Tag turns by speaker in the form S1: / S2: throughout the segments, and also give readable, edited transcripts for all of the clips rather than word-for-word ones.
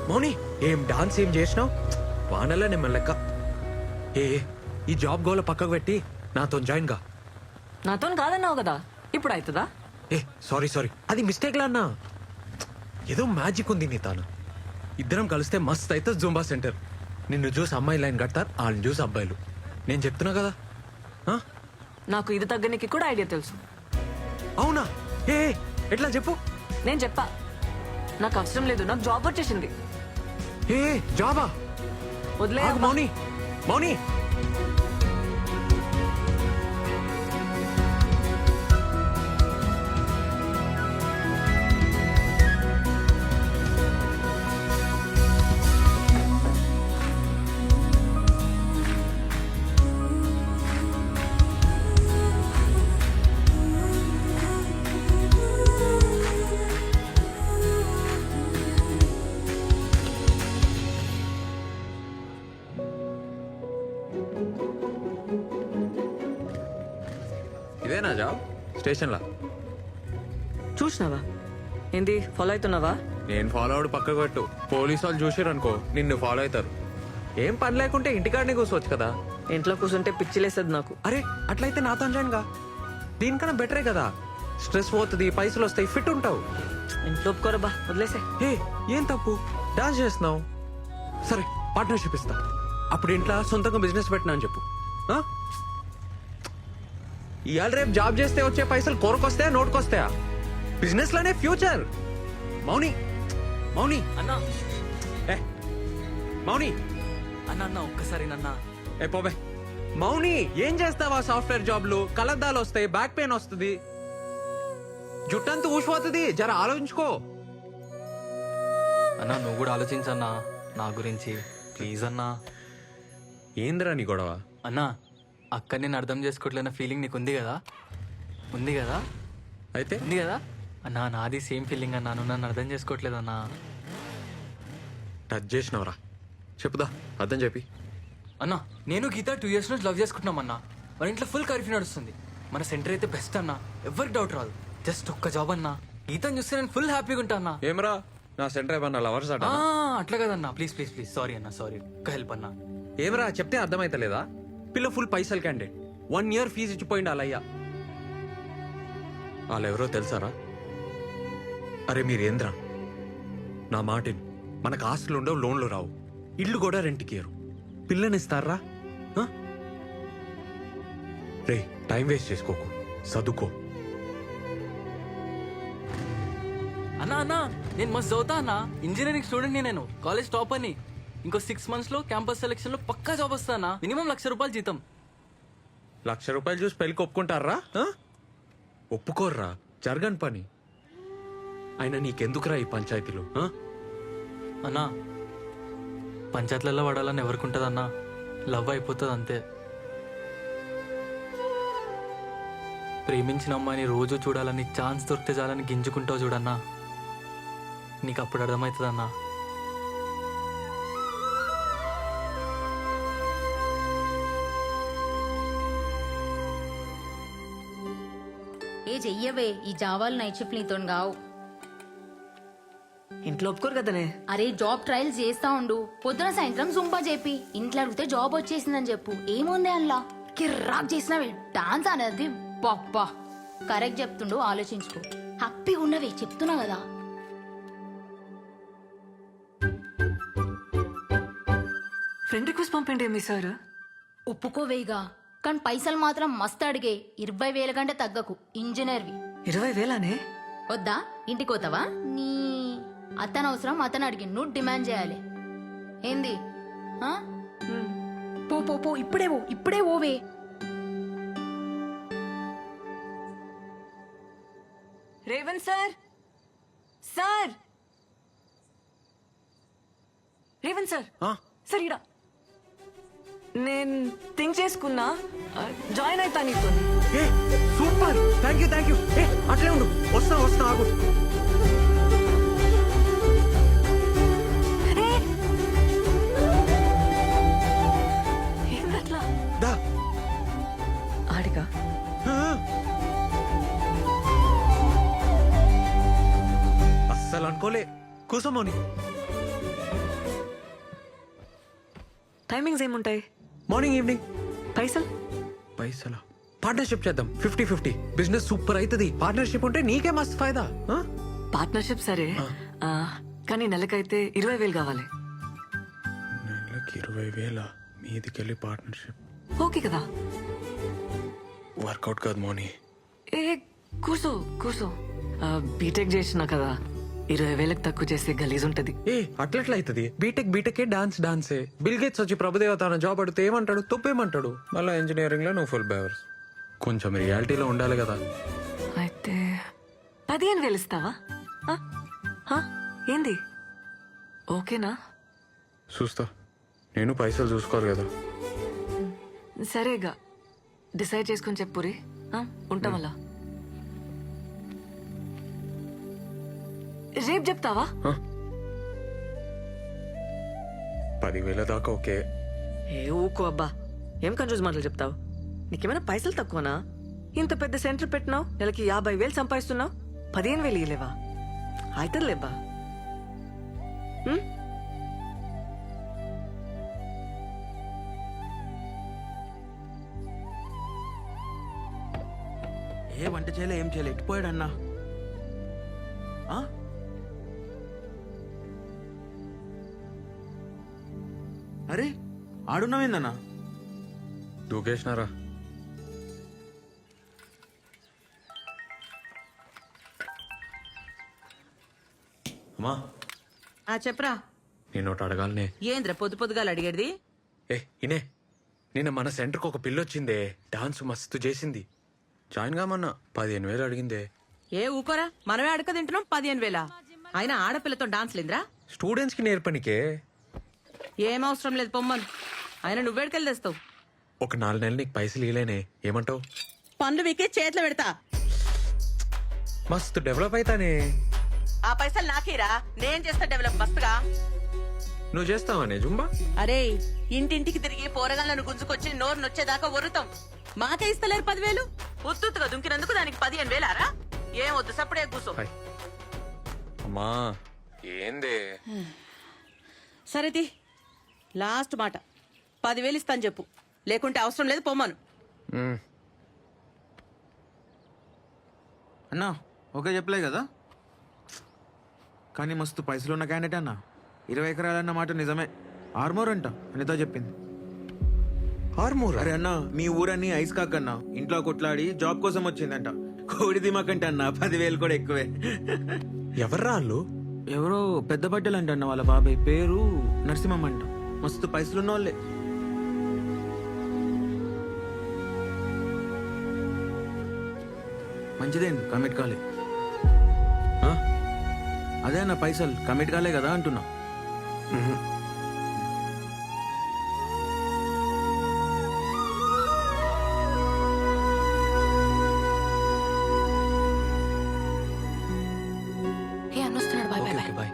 S1: మౌని ఏం డాన్స్ ఏం చేసినావు? వానల్లా నేను లెక్క. ఏ ఈ జాబ్ గోల పక్కకు పెట్టి నాతో జాయిన్ గా.
S2: నాతో కాదన్నావు కదా, ఇప్పుడు అవుతుందా?
S1: ఏ సారీ అది మిస్టేక్ లా అన్నా. ఏదో మ్యాజిక్ ఉంది నీ తాను. ఇద్దరం కలిస్తే మస్త్ అయితే జూంబా సెంటర్. నిన్ను చూసి అమ్మాయి లైన్ కడతారు, వాళ్ళని చూసి అబ్బాయిలు. నేను చెప్తున్నా కదా.
S2: నాకు ఇది తగ్గనికి కూడా ఐడియా తెలుసు.
S1: అవునా? ఏ ఎట్లా చెప్పు.
S2: నేను చెప్పా, నాకు అవసరం లేదు, నాకు జాబ్ వచ్చేసింది.
S1: ఏ జాబా?
S2: వదిలే
S1: మౌని మౌని ఇదేనా జాబ్? స్టేషన్లా
S2: చూసినావా? ఏంది ఫాలో అవుతున్నావా?
S1: నేను ఫాలో అవడు పక్కకు పెట్టు. పోలీసు వాళ్ళు చూసారు అనుకో నిన్ను ఫాలో అవుతారు. ఏం పని లేకుంటే ఇంటికాడనే కూర్చోవచ్చు కదా.
S2: ఇంట్లో కూర్చుంటే పిచ్చిలేస్తుంది నాకు.
S1: అరే అట్లయితే నాతో జాయిన్ గా. దీనికన్నా బెటరే కదా. స్ట్రెస్ పోతుంది, పైసలు వస్తాయి, ఫిట్ ఉంటావు.
S2: ఇంట్లో ఒప్పుకోరబ్బా, వదిలేసే.
S1: ఏ ఏం తప్పు? డాన్స్ చేస్తున్నావు, సరే పార్ట్నర్షిప్ ఇస్తా. అప్పుడు ఇంట్లో సొంతంగా బిజినెస్ పెట్టినా అని చెప్పు. ఇవాళ రేపు జాబ్ చేస్తే వచ్చే పైసలు కోరకొస్తాయా, నోటుకొస్తాయా? బిజినెస్ లోనే ఫ్యూచర్. మౌని మౌని
S2: అన్నా,
S1: ఏ మౌని
S2: అన్న అన్న ఒక్కసారి నన్నా.
S1: ఏ పోబే. మౌని ఏం చేస్తావా? సాఫ్ట్వేర్ జాబ్లు కలద్దాలు వస్తాయి, బ్యాక్ పెయిన్ వస్తుంది, జుట్టంతా ఊసిపోతుంది. జర ఆలోచించుకో.
S3: అన్నా నువ్వు కూడా ఆలోచించన్నా నా గురించి, ప్లీజ్ అన్నా.
S1: ఏందిరా నీ గొడవ?
S3: అన్నా అక్క నేను అర్థం చేసుకోవట్లేన ఫీలింగ్ నీకు ఉంది కదా? ఉంది కదా?
S1: అయితే
S3: ఉంది కదా అన్నా? నాది సేమ్ ఫీలింగ్ అన్నా, నువ్వు నన్ను అర్థం చేసుకోవట్లేదన్నా.
S1: టచ్ చేసినవరా? చెప్పుదా, అర్థం చెప్పి.
S3: అన్నా నేను గీత 2 years నుంచి లవ్ చేసుకుంటున్నాం అన్నా. మన ఇంట్లో ఫుల్ కర్ఫ్యూ నడుస్తుంది. మన సెంటర్ అయితే బెస్ట్ అన్నా, ఎవరికి డౌట్ రాదు. జస్ట్ ఒక్క జాబ్ అన్నా. గీతను చూస్తే నేను ఫుల్ హ్యాపీగా ఉంటా అన్నా.
S1: ఏమరా నా సెంటర్ ఏమన్నా లవర్స్ అట?
S3: అట్లా కదన్నా, ప్లీజ్ ప్లీజ్ ప్లీజ్. సారీ అన్నా, సారీ. ఒక్క హెల్ప్ అన్నా.
S1: ఏమరా చెప్తే అర్థమైతలేదా? పిల్ల ఫుల్ పైసలు క్యాండిడేట్, 1 year ఫీజు ఇచ్చిపోయింది వాళ్ళయ్యా. వాళ్ళెవరో తెలుసారా? అరే మీరేంద్రా, నా మాటిని. మనకు ఆస్తులు ఉండవు, లోన్లు రావు, ఇల్లు కూడా రెంట్కి ఇయ్యరు. పిల్లనిస్తారా? రే టైం వేస్ట్ చేసుకోకు, చదువుకో.
S3: అన్నా అన్నా నేను మస్తు చదువుతా అన్నా. ఇంజనీరింగ్ స్టూడెంట్ నేను, కాలేజ్ టాప్ అని. ఇంకో 6 months లో క్యాంపస్ సెలెక్షన్ లో పక్కా జాబ్ వస్తానా. మినిమం ₹1,00,000 జీతం.
S1: ₹1,00,000 చూసి పెళ్ళికి ఒప్పుకుంటారా? ఒప్పుకోర్రా, జరగని పని. అయినా నీకెందుకురా ఈ పంచాయతీలు?
S3: అన్నా పంచాయతీలలో పడాలని ఎవరికి ఉంటుందన్నా? లవ్ అయిపోతుంది అంతే. ప్రేమించిన అమ్మాయిని రోజు చూడాలని, ఛాన్స్ దొరికితే చాలని గింజుకుంటావు చూడన్నా. నీకు అప్పుడు అర్థమవుతుందన్నా.
S4: ఏ చెయ్యవే, ఈ జావాలు నైట్ షిఫ్ట్ నీతో గావు.
S2: ఇంట్లో ఒప్పుకోరు కదనే.
S4: అరే జాబ్ ట్రయల్స్ చేస్తా ఉండు, పొద్దున సాయంత్రం జుంపా చెప్పి ఇంట్లో అడిగితే జాబ్ వచ్చేసిందని చెప్పు. ఏముంది అల్లా కిర్రాక్ చేసినవే డాన్స్ అనేది. పప్పా కరెక్ట్ చెప్తుండు, ఆలోచించుకో. హ్యాపీగా ఉన్నవే, చెప్తున్నా కదా.
S2: ఫ్రెండ్ రిక్వెస్ట్ పంపండి మీ సార్.
S4: ఒప్పుకోవేగా, కానీ పైసలు మాత్రం మస్తు అడిగే. 20,000 కంటే తగ్గకు. ఇంజనీర్వి.
S2: 20,000నే?
S4: వద్దా? ఇంటికి పోతావా? నీ అతను అవసరం అతను అడిగి నువ్వు డిమాండ్ చేయాలి. ఏంది? పో పో పో, ఇప్పుడే ఓవే.
S2: Revanth sir, sir Revanth sir, sir ఇడా నేను థింక్ చేసుకున్నా, జాయిన్ అవుతా నీతో.
S1: Super, thank you. అట్లే ఉండు, వస్తా ఆగు.
S2: ఏందట్లా?
S1: దా
S2: ఆడిగా
S1: అస్సలు అనుకోలే. కూసమోని
S2: టైమింగ్స్ ఏముంటాయి?
S1: Morning evening.
S2: పైసలు?
S1: పైసలా? పార్ట్నర్షిప్ చేద్దాం 50-50. బిజినెస్ సూపర్ అవుతుంది. పార్ట్నర్షిప్ ఉంటే నీకే మస్తు ఫైదా.
S2: పార్ట్నర్షిప్ సరే, కానీ నెలకైతే 20,000 కావాలి.
S1: నెలకి 20,000 మీదికెళ్ళి పార్ట్నర్షిప్
S2: ఓకే కదా?
S1: వర్కౌట్ కాదు మోని.
S2: ఏ కూర్చో కూర్చో. బీటెక్ చేసినా కదా, 20,000 తక్కువ చేస్తే గలీజ్ ఉంటది.
S1: ఏ అట్లెట్లా అవుతుంది? బీటెక్ డాన్సే. బిల్ గేట్స్ వచ్చి ప్రభుదేవ తన జాబ్ అడిగితే ఏమంటాడు? తప్పేమంటాడు? మళ్ళీ ఇంజనీరింగ్ లో నువ్వు ఫుల్ బేవర్స్. కొంచెం రియాలిటీలో ఉండాలి కదా.
S2: అయితే 15,000 ఇస్తావా? ఆ? ఆ? ఏంది? ఓకేనా?
S1: చూస్తా. నేను పైసలు చూసుకోవాలి కదా.
S2: సరేగా, డిసైడ్ చేసుకుని చెప్పురి. ఉంటాం అలా. రేపు చెప్తావా?
S1: 10,000 దాకా ఓకే.
S2: ఏ ఊకో అబ్బా, ఏం కన్ఫ్యూజ్ మాటలు చెప్తావు? నీకేమైనా పైసలు తక్కువనా? ఇంత పెద్ద సెంటర్ పెట్టినావు, నెలకి 50,000 సంపాదిస్తున్నావు, 15,000 ఇలేవా? అవుతుందిలేబ్బా.
S5: ఏ వంట చేయలే, ఏం చేయలే, ఎట్టిపోయాడు అన్నా? అరే ఆడున్నావేందన్నా?
S1: దూకేసినారా? అమ్మా
S6: చెప్పరా.
S1: నేను ఒకటి అడగాలనే.
S6: ఏంద్ర పొద్దు పొద్దుగాల అడిగేది?
S1: ఇనే నిన్న మన సెంటర్కి ఒక పిల్లొచ్చిందే, డాన్స్ మస్తు చేసింది. జాయిన్ కామన్నా 15,000 అడిగిందే.
S6: ఏ ఊకోరా, మనమే అడక తింటున్నాం 15,000. అయినా ఆడపిల్లతో డాన్స్ లేదురా?
S1: స్టూడెంట్స్ కి నేర్పనికే.
S6: ఏం అవసరం లేదు పొమ్మను. అయినా నువ్వేడికెళ్ళి తెస్తావు?
S1: ఒక 4 నెలలు నీకు పైసలు ఇలేనే, ఏమంటావు?
S6: పనులు వీకే చేతిలో పెడతా.
S1: మస్తు డెవలప్ అవుతానే.
S6: ఆ పైసలు నాకేరా, నేను చేస్తా డెవలప్ మస్తుగా.
S1: నువ్వు చేస్తావానే జుంబా?
S6: అరే ఇంటింటికి తిరిగి పోరగాళ్ళను గుంజుకొచ్చి నోరు నొచ్చేదాకా ఒరుతాం. మాకే ఇస్తలేరు 10,000. ఉత్తుగా దుంకినందుకు దానికి 15,000రా? ఏం వద్దు, సప్పుడే కూసో.
S1: అమ్మా ఏందే?
S6: సరేది లాస్ట్ మాట, 10,000 ఇస్తాను చెప్పు, లేకుంటే అవసరం లేదు పొమ్మను.
S5: అన్నా ఓకే చెప్పలే కదా, కానీ మస్తు పైసలు ఉన్న క్యాండిడేట్ అన్నా. 20 ఎకరాలన్న మాట నిజమే. ఆర్మోర్ అంట అనితో చెప్పింది.
S1: ఆర్మూర్?
S5: అరే అన్నా, మీ ఊరన్నీ ఐస్ కాకన్నా ఇంట్లో కొట్లాడి జాబ్ కోసం వచ్చిందంట. కోడి దిమాకంటే అన్న 10,000 కూడా ఎక్కువే.
S1: ఎవర్రా వాళ్ళు?
S5: ఎవరో పెద్ద బట్టలు అంట అన్న, వాళ్ళ బాబాయ్ పేరు నరసింహం అంట. మస్తు పైసలున్న వాళ్ళే. మంచిదేం కమిట్ కాలే. అదే అన్న పైసలు కమిట్ కాలే కదా అంటున్నా.
S2: ఏ అన్నొస్తున్నాడు, బాయ్ బాయ్ బాయ్.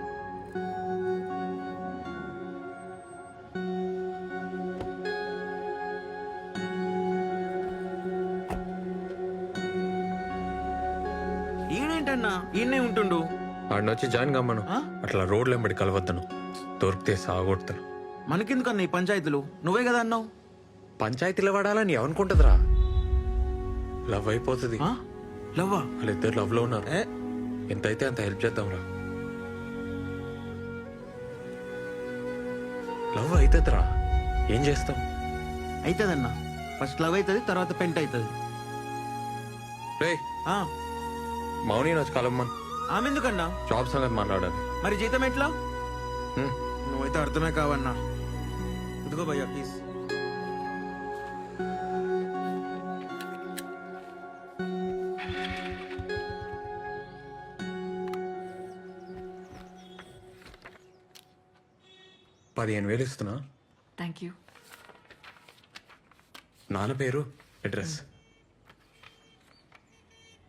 S5: ఈయనేంటన్నా ఈయనే ఉంటుండు?
S1: ఆడినొచ్చి జాయిన్ కమ్మను. అట్లా రోడ్లు వెంబడి కలవద్దను, దొరికితే సాగొడతాను.
S5: మనకెందుకన్నా ఈ పంచాయతీలు? నువ్వే కదా అన్నావు.
S1: పంచాయతీలో పడాలని ఎవనుకుంటుందిరా? లవ్ అయిపోతుంది.
S5: లవ్వా?
S1: వాళ్ళిద్దరు లవ్ లో ఉన్నారు. ఎంతైతే అంత హెల్ప్ చేద్దాంరా. లవ్ అవుతుందిరా, ఏం చేస్తాం?
S5: అవుతుందన్నా. ఫస్ట్ లవ్ అవుతుంది, తర్వాత పెంట్ అవుతుంది.
S1: రే మౌని వచ్చి కలమ్మన్.
S5: ఆమె ఎందుకన్నా?
S1: జాబ్ సంగతి మాట్లాడాలి.
S5: మరి జీతం ఎట్లా?
S1: హ్మ్.
S5: నువ్వైతే అర్థమే కావన్నా. ఇదిగో భయ్యా ప్లీజ్.
S1: $15,000 ఇస్తున్నా.
S2: Thank you.
S1: నాన్న పేరు, అడ్రస్.